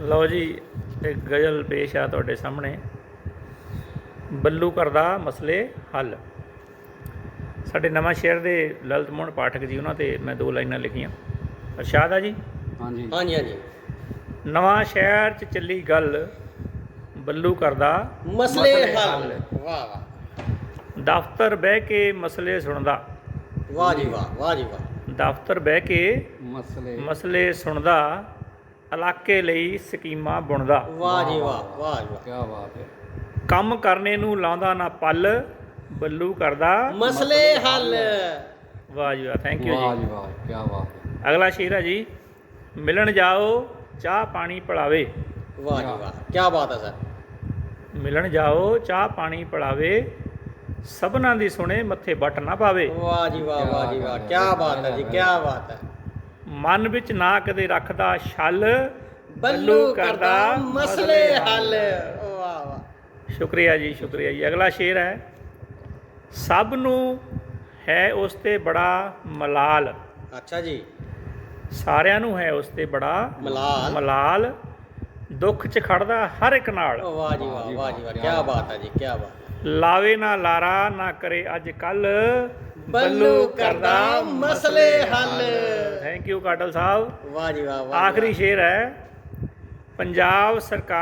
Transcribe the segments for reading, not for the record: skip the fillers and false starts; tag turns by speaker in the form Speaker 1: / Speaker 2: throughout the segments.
Speaker 1: ਲਓ ਜੀ, ਇੱਕ ਗਜ਼ਲ ਪੇਸ਼ ਆ ਤੁਹਾਡੇ ਸਾਹਮਣੇ। ਬੱਲੂ ਕਰਦਾ ਮਸਲੇ ਹੱਲ। ਸਾਡੇ ਨਵਾਂ ਸ਼ਹਿਰ ਦੇ ਲਲਿਤ ਮੋਹਨ ਪਾਠਕ ਜੀ, ਉਹਨਾਂ 'ਤੇ ਮੈਂ 2 ਲਾਈਨਾਂ ਲਿਖੀਆਂ। ਅਰਸ਼ਾਦ ਆ ਜੀ।
Speaker 2: ਹਾਂਜੀ ਹਾਂਜੀ ਹਾਂਜੀ।
Speaker 1: ਨਵਾਂ ਸ਼ਹਿਰ 'ਚ ਚੱਲੀ ਗੱਲ, ਬੱਲੂ ਕਰਦਾ
Speaker 2: ਮਸਲੇ ਹੱਲ। ਵਾਹ ਵਾਹ,
Speaker 1: ਦਫ਼ਤਰ ਬਹਿ ਕੇ ਮਸਲੇ ਸੁਣਦਾ।
Speaker 2: ਵਾਹ ਜੀ ਵਾਹ, ਵਾਹ ਜੀ ਵਾਹ।
Speaker 1: ਦਫ਼ਤਰ ਬਹਿ ਕੇ ਮਸਲੇ ਸੁਣਦਾ, ਇਲਾਕੇ ਲਈ ਸਕੀਮਾਂ ਬੁਣਦਾ।
Speaker 2: ਵਾਹ ਜੀ ਵਾਹ, ਵਾਹ ਜੀ ਵਾਹ,
Speaker 3: ਕੀ ਬਾਤ ਹੈ।
Speaker 1: ਕੰਮ ਕਰਨੇ ਨੂੰ ਲਾਉਂਦਾ ਨਾ ਪੱਲ, ਬੱਲੂ ਕਰਦਾ
Speaker 2: ਮਸਲੇ ਹੱਲ।
Speaker 1: ਵਾਹ ਜੀ ਵਾਹ, ਥੈਂਕ ਯੂ
Speaker 3: ਵਾਹ
Speaker 1: ਜੀ।
Speaker 3: ਜੀ ਵਾਹ, ਕੀ ਬਾਤ ਹੈ।
Speaker 1: ਅਗਲਾ ਸ਼ੇਰ ਹੈ ਜੀ। ਮਿਲਣ ਜਾਓ ਚਾਹ ਪਾਣੀ ਪਿਲਾਵੇ।
Speaker 2: ਵਾਹ ਜੀ ਵਾਹ, ਕੀ ਬਾਤ ਹੈ ਸਰ।
Speaker 1: ਮਿਲਣ ਜਾਓ ਚਾਹ ਪਾਣੀ ਪਿਲਾਵੇ, ਸਭਨਾਂ ਦੀ ਸੁਣੇ ਮੱਥੇ ਵੱਟ ਨਾ ਪਾਵੇ।
Speaker 2: ਵਾਹ ਜੀ ਵਾਹ, ਵਾਹ ਜੀ ਵਾਹ, ਕੀ ਬਾਤ ਹੈ ਜੀ, ਕੀ ਬਾਤ ਹੈ।
Speaker 1: ਮਨ ਵਿੱਚ ਨਾ ਕਦੇ ਰੱਖਦਾ ਛਲ,
Speaker 2: ਬੱਲੂ ਕਰਦਾ ਮਸਲੇ ਹੱਲ। ਵਾਹ ਵਾਹ,
Speaker 1: ਸ਼ੁਕਰੀਆ ਜੀ, ਸ਼ੁਕਰੀਆ ਜੀ। ਅਗਲਾ ਸ਼ੇਰ ਹੈ। ਸਭ ਨੂੰ ਹੈ ਉਸ 'ਤੇ ਬੜਾ ਮਲਾਲ।
Speaker 2: ਅੱਛਾ ਜੀ।
Speaker 1: ਸਾਰਿਆਂ ਨੂੰ ਹੈ ਉਸ 'ਤੇ ਬੜਾ ਮਲਾਲ, ਦੁੱਖ 'ਚ ਖੜਦਾ ਹਰ ਇੱਕ ਨਾਲ।
Speaker 2: ਵਾਹ ਜੀ ਵਾਹ, ਵਾਹ ਜੀ ਵਾਹ, ਕੀ ਬਾਤ ਹੈ ਜੀ, ਕੀ ਬਾਤ ਹੈ।
Speaker 1: ਲਾਵੇ ਨਾ ਲਾਰਾ ਨਾ ਕਰੇ ਅੱਜ ਕੱਲ,
Speaker 2: ਬੱਲੂ ਕਰਦਾ ਮਸਲੇ ਹੱਲ।
Speaker 1: ਥੈਂਕ ਯੂ ਕਾਟਲ ਸਾਹਿਬ।
Speaker 2: ਵਾਹ ਜੀ ਵਾਹ, ਵਾਹ।
Speaker 1: ਆਖਰੀ ਸ਼ੇਰ ਹੈ। ਪੰਜਾਬ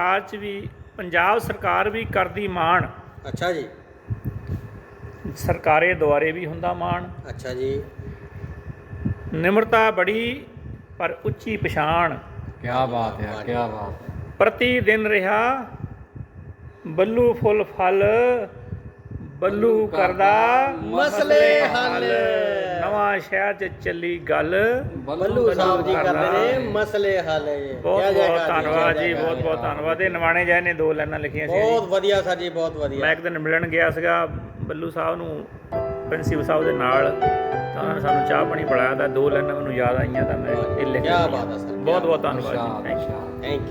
Speaker 1: ਸਰਕਾਰ ਵੀ ਕਰਦੀ ਮਾਣ।
Speaker 2: ਅੱਛਾ ਜੀ।
Speaker 1: ਸਰਕਾਰੇ ਦੁਆਰੇ ਵੀ ਹੁੰਦਾ ਮਾਣ।
Speaker 2: ਅੱਛਾ ਜੀ।
Speaker 1: ਨਿਮਰਤਾ ਬੜੀ ਪਰ ਉੱਚੀ ਪਛਾਣ।
Speaker 3: ਕੀ ਬਾਤ ਹੈ, ਕੀ ਬਾਤ ਹੈ।
Speaker 1: ਪ੍ਰਤੀ ਦਿਨ ਰਿਹਾ ਬੱਲੂ ਫੁੱਲ ਫਲ, ਬੱਲੂ ਕਰਦਾ
Speaker 2: ਮਸਲੇ ਹੱਲ।
Speaker 1: ਨਵਾਂ ਸ਼ਹਿਰ 'ਚ ਚੱਲੀ ਗੱਲ,
Speaker 2: ਬੱਲੂ ਸਾਹਿਬ ਜੀ ਕਰਦੇ ਨੇ ਮਸਲੇ ਹੱਲ।
Speaker 1: ਬਹੁਤ ਬਹੁਤ ਧੰਨਵਾਦ ਜੀ, ਬਹੁਤ ਬਹੁਤ ਧੰਨਵਾਦ। ਇਹ ਨਿਮਾਣੇ ਜੈ ਨੇ 2 ਲਾਈਨਾਂ ਲਿਖੀਆਂ ਸੀ।
Speaker 2: ਬਹੁਤ ਵਧੀਆ ਸਰ ਜੀ, ਬਹੁਤ ਵਧੀਆ।
Speaker 1: ਮੈਂ ਇੱਕ ਦਿਨ ਮਿਲਣ ਗਿਆ ਸੀਗਾ ਬੱਲੂ ਸਾਹਿਬ ਨੂੰ, ਪ੍ਰਿੰਸੀਪਲ ਸਾਹਿਬ ਦੇ ਨਾਲ, ਤਾਂ ਉਹਨਾਂ ਨੇ ਸਾਨੂੰ ਚਾਹ ਪਾਣੀ ਪਿਲਾਇਆ। ਤਾਂ 2 ਲਾਈਨਾਂ ਮੈਨੂੰ ਯਾਦ ਆਈਆਂ, ਤਾਂ ਮੈਂ ਇਹ ਲਿਖਿਆ।
Speaker 2: ਕੀ ਬਾਤ ਹੈ ਸਰ,
Speaker 1: ਬਹੁਤ ਬਹੁਤ ਧੰਨਵਾਦ ਜੀ, ਥੈਂਕ ਯੂ।
Speaker 2: Thank you.